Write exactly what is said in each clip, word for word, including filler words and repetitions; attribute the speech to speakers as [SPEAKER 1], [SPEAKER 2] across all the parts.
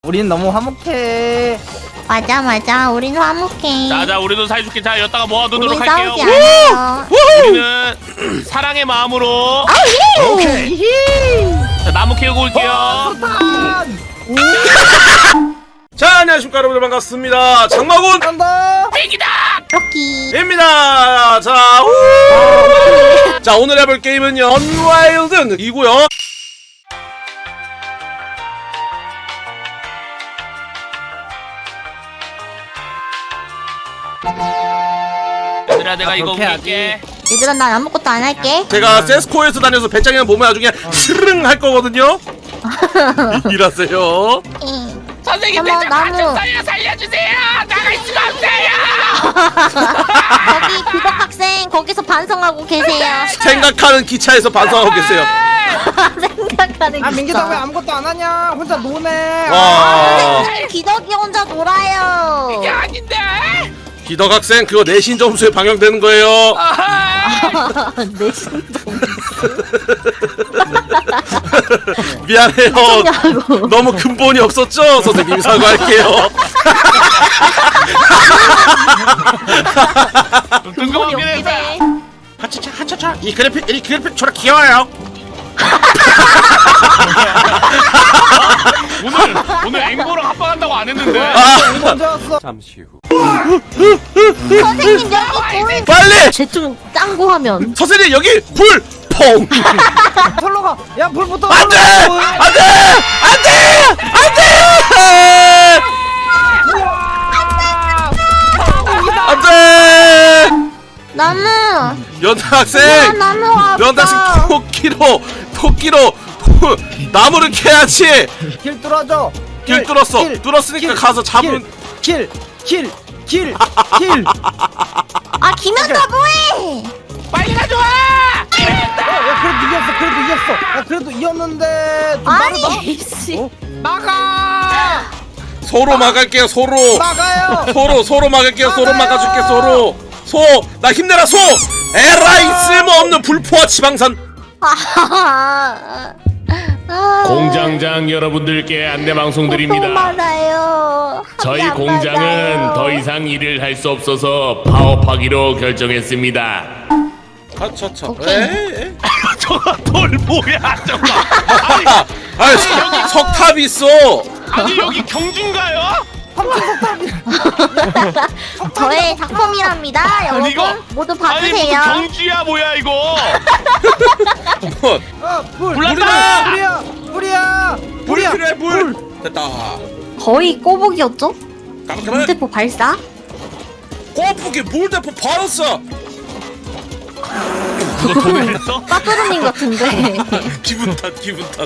[SPEAKER 1] 우린 너무 화목해.
[SPEAKER 2] 맞아 맞아 우린 화목해.
[SPEAKER 3] 자자 우리도 사이좋게 잘 였다가 모아두도록
[SPEAKER 2] 우린
[SPEAKER 3] 할게요.
[SPEAKER 2] 싸우지 않아요.
[SPEAKER 3] 우리는 사랑의 마음으로
[SPEAKER 1] 오케이.
[SPEAKER 3] 자, 나무 캐고 올게요.
[SPEAKER 4] 자, 안녕하십니까 여러분들, 반갑습니다. 장마군
[SPEAKER 1] 간다.
[SPEAKER 3] 빅이다.
[SPEAKER 4] 입니다. 자, 우! 자, 오늘 해볼 게임은요 언와일드이고요.
[SPEAKER 3] 얘들아 내가
[SPEAKER 1] 아,
[SPEAKER 3] 이거
[SPEAKER 1] 그렇게
[SPEAKER 3] 옮길게.
[SPEAKER 2] 얘들아 난 아무것도 안 할게.
[SPEAKER 4] 제가 세스코에서 다녀서 배짱이랑 보면 나중에 스르릉 할 거거든요. 일하세요.
[SPEAKER 2] 응.
[SPEAKER 3] 선생님
[SPEAKER 2] 어머,
[SPEAKER 3] 대체
[SPEAKER 2] 나무.
[SPEAKER 3] 좀 살려 살려주세요. 나갈 수가 없어요.
[SPEAKER 2] 거기 비덕 학생 거기서 반성하고 계세요.
[SPEAKER 4] 생각하는 기차에서 반성하고 계세요.
[SPEAKER 2] 생각하는
[SPEAKER 1] 아 민기다 왜
[SPEAKER 2] 기차.
[SPEAKER 1] 아무것도 안 하냐? 혼자 노네.
[SPEAKER 4] 와,
[SPEAKER 2] 선생님 기덕이 혼자 놀아요.
[SPEAKER 3] 이게 아닌데.
[SPEAKER 4] 기덕 학생 그거 내신 점수에 반영되는 거예요.
[SPEAKER 3] 아하.
[SPEAKER 2] 내 신동.
[SPEAKER 4] 미안해요.
[SPEAKER 2] 하냐고.
[SPEAKER 4] 너무 근본이 없었죠? 선생님 사과할게요.
[SPEAKER 3] 뜬금없긴 했어.
[SPEAKER 2] 없기네.
[SPEAKER 4] 하차차 하차차 이 그래픽 이 그래픽 저렇게 귀여워요.
[SPEAKER 3] 오늘 오늘 앵보랑 합방한다고 안 했는데.
[SPEAKER 4] 아,
[SPEAKER 1] 먼저 왔어.
[SPEAKER 4] 잠시 후.
[SPEAKER 2] 선생님 여기 불.
[SPEAKER 4] 빨리
[SPEAKER 2] 대충 짱구 하면.
[SPEAKER 4] 선생님 여기 불 퐁.
[SPEAKER 1] 털러 가. 야 불부터.
[SPEAKER 4] 안돼 안돼 안돼 안돼 안돼.
[SPEAKER 2] 나무.
[SPEAKER 4] 연타
[SPEAKER 2] 야,
[SPEAKER 4] 학생
[SPEAKER 2] 나무 왔다.
[SPEAKER 4] 연타 학생 토끼로 토끼로 토- 나무를 캐야지.
[SPEAKER 1] 길 뚫어줘.
[SPEAKER 4] 길 뚫었어. 뚫었으니까 가서 잡은.
[SPEAKER 1] 길. 길. 길. 길.
[SPEAKER 2] 아 김현다 뭐해?
[SPEAKER 3] 빨리 가져와.
[SPEAKER 1] 어, 야 그래도 이겼어. 그래도 이겼어. 야 그래도 이겼는데 좀 빠르다.
[SPEAKER 2] 아니 씨.
[SPEAKER 1] 어? 막아.
[SPEAKER 4] 서로 막을게요. 서로
[SPEAKER 1] 막아요.
[SPEAKER 4] 서로 서로 막을게요. 서로
[SPEAKER 1] 막아요.
[SPEAKER 4] 막아줄게. 서로 소 나 힘내라 소. 에라이 쓸모없는 불포화 지방산.
[SPEAKER 2] 아. 아.
[SPEAKER 3] 공장장 여러분들께 안내 방송드립니다.
[SPEAKER 2] 고통 많아요.
[SPEAKER 3] 저희
[SPEAKER 2] 안
[SPEAKER 3] 공장은
[SPEAKER 2] 받아요.
[SPEAKER 3] 더 이상 일을 할 수 없어서 파업하기로 결정했습니다.
[SPEAKER 4] 아차차.
[SPEAKER 2] 오케이.
[SPEAKER 4] 에이.
[SPEAKER 3] 저거 돌 뭐야 저거.
[SPEAKER 4] 아니 석- 석탑 있어.
[SPEAKER 3] 아니 여기 경주인가요?
[SPEAKER 2] 저의 작품이랍니다. 여러분
[SPEAKER 3] 이거-
[SPEAKER 2] 모두
[SPEAKER 3] 아니 무슨
[SPEAKER 2] 봐주세요.
[SPEAKER 3] 경주야 뭐야 이거.
[SPEAKER 4] 뭐,
[SPEAKER 1] 어, 불.
[SPEAKER 3] 불났다!
[SPEAKER 1] 불이야. 불이야.
[SPEAKER 4] 불이
[SPEAKER 1] 불이야.
[SPEAKER 4] 필요해 불. 됐다.
[SPEAKER 2] 거의 꼬북이었죠?
[SPEAKER 4] 깜깜해.
[SPEAKER 2] 물대포 발사?
[SPEAKER 4] 꼬부기 물대포 바로 써.
[SPEAKER 3] 그거 도매했어?
[SPEAKER 2] 빠뚜루님 같은데.
[SPEAKER 4] 기분 탓 기분 탓.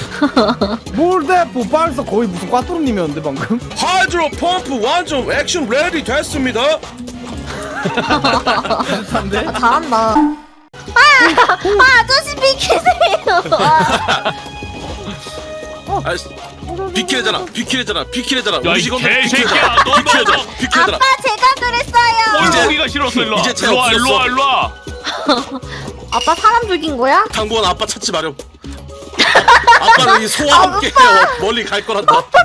[SPEAKER 1] 몰대포 발사 거의 무슨 꽈뚜루님이었는데 방금.
[SPEAKER 4] 하이드로 펌프 완전 액션 레디 됐습니다.
[SPEAKER 1] 안돼.
[SPEAKER 2] 아, 잘한다. 아, 아 아저씨 비키세요. 아,
[SPEAKER 4] 아, 비키래잖아 비키래잖아 비키래잖아.
[SPEAKER 3] 야,
[SPEAKER 4] 우리
[SPEAKER 3] 이
[SPEAKER 4] 직원들
[SPEAKER 3] 개새끼야. 너, 너,
[SPEAKER 4] 비키래잖아
[SPEAKER 3] 너.
[SPEAKER 4] 비키래잖아.
[SPEAKER 2] 아빠 제가 그랬어요.
[SPEAKER 4] 이제-
[SPEAKER 3] 꼴보기가 싫었어 일로와.
[SPEAKER 4] 이제 쟤
[SPEAKER 3] 일로와
[SPEAKER 4] 없어졌어.
[SPEAKER 3] 일로와 일로와.
[SPEAKER 2] 아빠 사람 죽인 거야?
[SPEAKER 4] 당분간 아빠 찾지 마렴. 아, 아빠는 이 소와 함께 멀리 갈 거란다.
[SPEAKER 2] 아빠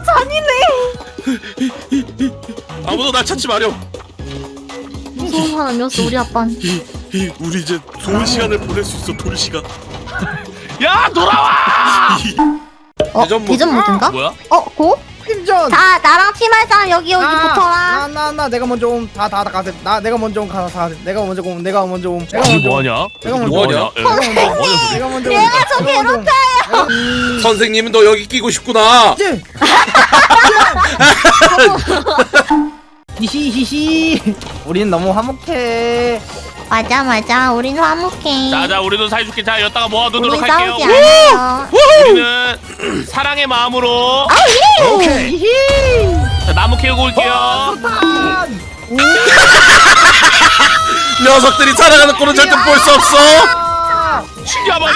[SPEAKER 2] 잔인해.
[SPEAKER 4] 아무도 날 찾지 마렴.
[SPEAKER 2] 무서운 사람이었어 우리 아빠는.
[SPEAKER 4] 이, 이 우리 이제 좋은 시간을 보낼 수 있어. 돌 시간.
[SPEAKER 3] 야 돌아와.
[SPEAKER 2] 어
[SPEAKER 4] 대전 모드.
[SPEAKER 2] 대전 모드인가?
[SPEAKER 3] 뭐야?
[SPEAKER 2] 어 고?
[SPEAKER 1] 팀전.
[SPEAKER 2] 자 나랑 팀할 사람 여기 여기 붙어라.
[SPEAKER 1] 나나 나 내가 먼저 옴. 다 다 다 가세. 나 내가 먼저 옴. 가서 가. 내가 먼저 옴. 내가 먼저 옴. 내가
[SPEAKER 3] 여기
[SPEAKER 1] 먼저 옴.
[SPEAKER 3] 뭐하냐?
[SPEAKER 1] 내가
[SPEAKER 3] 여기
[SPEAKER 1] 먼저
[SPEAKER 3] 뭐하냐?
[SPEAKER 4] 옴.
[SPEAKER 3] 예. 뭐하냐?
[SPEAKER 1] 내가 먼저 옴.
[SPEAKER 2] 얘가 저
[SPEAKER 1] 내가 먼저 옴.
[SPEAKER 2] 괴롭혀요.
[SPEAKER 4] 선생님은 너 여기 끼고 싶구나.
[SPEAKER 1] 찌! 히히히히. 우린 너무 화목해.
[SPEAKER 2] 맞아 맞아 우린 화목해.
[SPEAKER 3] 자자 우리도 사이좋게 잘 였다가 모아두도록
[SPEAKER 2] 우린
[SPEAKER 3] 할게요.
[SPEAKER 2] 싸우지 않아요.
[SPEAKER 3] 우리는 사랑의 마음으로
[SPEAKER 1] 오케이.
[SPEAKER 3] 자, 나무 캐고 올게요.
[SPEAKER 1] 판.
[SPEAKER 4] 녀석들이 살아가는 꼴은 절대 볼 수 없어.
[SPEAKER 3] 죽여버려.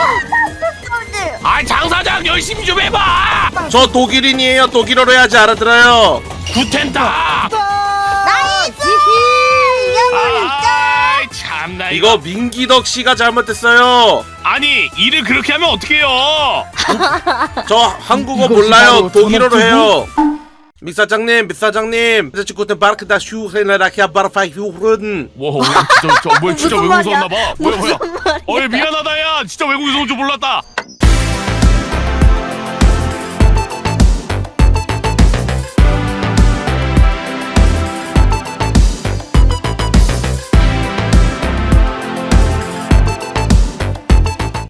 [SPEAKER 3] 아 장사장 열심히 좀 해봐.
[SPEAKER 4] 저 독일인이에요. 독일어로 해야지 알아들어요.
[SPEAKER 3] 구텐타.
[SPEAKER 2] 나이스. 이겨버렸죠.
[SPEAKER 3] 아이 참나 이거.
[SPEAKER 4] 이거 민기덕 씨가 잘못했어요.
[SPEAKER 3] 아니 일을 그렇게 하면 어떡해요?
[SPEAKER 4] 저 한국어
[SPEAKER 1] 이거
[SPEAKER 4] 몰라요.
[SPEAKER 1] 바로
[SPEAKER 4] 독일어로
[SPEAKER 1] 전업
[SPEAKER 4] 해요. 믹사장님 믹사장님 저 구텐 바르크다 슈헤나라키아 바르파이 휴른.
[SPEAKER 3] 와 진짜 진짜 뭐야 진짜
[SPEAKER 2] 무슨
[SPEAKER 3] 외국에서
[SPEAKER 2] 말이야?
[SPEAKER 3] 왔나봐. 뭐야 뭐야.
[SPEAKER 2] 무슨 말이야?
[SPEAKER 3] 어이 미안하다 야 진짜 외국에서 온 줄 몰랐다.